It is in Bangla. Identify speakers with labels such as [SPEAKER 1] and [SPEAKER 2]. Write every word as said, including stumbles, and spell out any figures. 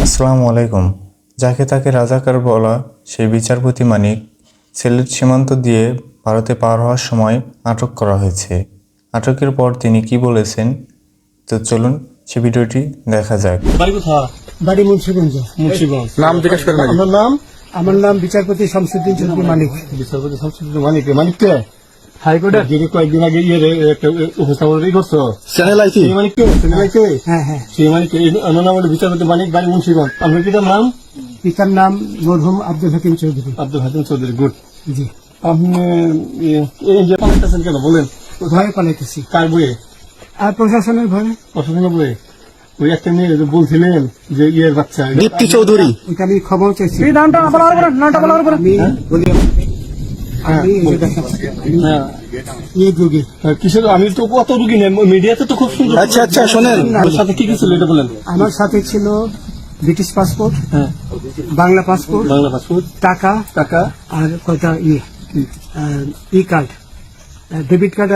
[SPEAKER 1] আসসালামু আলাইকুম। যাকে তাকে রাজাকার বলা সেই বিচারপতি মানিক সিলেট সীমান্ত দিয়ে ভারতে পার হওয়ার সময় আটক করা হয়েছে। আটকের পর তিনি কি বলেছেন, তো চলুন সে ভিডিওটি দেখা যাক।
[SPEAKER 2] বাড়ি কোথায়?
[SPEAKER 3] বাড়ি মুন্সিগঞ্জ।
[SPEAKER 2] মুন্সিগঞ্জ।
[SPEAKER 4] নাম জিজ্ঞেস করেন।
[SPEAKER 2] আপনার নাম?
[SPEAKER 3] আমার নাম বিচারপতি শামসুদ্দিন চৌধুরী মানিক।
[SPEAKER 2] বিচারপতি শামসুদ্দিন মানিক। মানিক কে?
[SPEAKER 3] হাইকোর্টের।
[SPEAKER 2] যিনি কয়েকদিন আগে ইয়ে একটা উপস্থাপন করছো।
[SPEAKER 4] চ্যানেল আইছি।
[SPEAKER 2] সেই মানিক কে? চ্যানেল আইছে?
[SPEAKER 3] হ্যাঁ হ্যাঁ।
[SPEAKER 2] সেই মানিক কে? আমার নাম হলো বিচারপতি মানিক, বাড়ি মুন্সিগঞ্জ। আপনার পিতার নাম?
[SPEAKER 3] পিতার নাম মরহুম আব্দুল হাকিম চৌধুরী।
[SPEAKER 2] আব্দুল হাকিম চৌধুরী। গুড।
[SPEAKER 3] জি।
[SPEAKER 2] আপনি এই যে পালাইতেছেন কেন বলেন?
[SPEAKER 3] ভয়ে পালাইতেছি।
[SPEAKER 2] কার বইয়ে?
[SPEAKER 3] আর প্রশাসনের ভয়ে।
[SPEAKER 2] প্রশাসনের বইয়ে? ওই একটা মেয়ে যে বলছিলেন যে ইয়ের বাচ্চা
[SPEAKER 4] দীপ্তি চৌধুরী।
[SPEAKER 3] ওইটা আমি খবর চাইছি।
[SPEAKER 2] হ্যাঁ,
[SPEAKER 3] আমি এই যে দেখেন, আমি
[SPEAKER 2] হ্যাঁ।
[SPEAKER 3] এই যুগে
[SPEAKER 2] কিসের? আমি তো কত রুগী নেই, মিডিয়াতে তো খুব সুন্দর।
[SPEAKER 4] আচ্ছা আচ্ছা শোনেন,
[SPEAKER 2] ওর সাথে কি কি ছিল এটা বলেন।
[SPEAKER 3] আমার সাথে ছিল ব্রিটিশ পাসপোর্ট,
[SPEAKER 2] হ্যাঁ,
[SPEAKER 3] বাংলা পাসপোর্ট,
[SPEAKER 2] বাংলা পাসপোর্ট,
[SPEAKER 3] টাকা
[SPEAKER 2] টাকা,
[SPEAKER 3] আর কয়টা ইয়ে ই কার্ড, ডেবিট কার্ড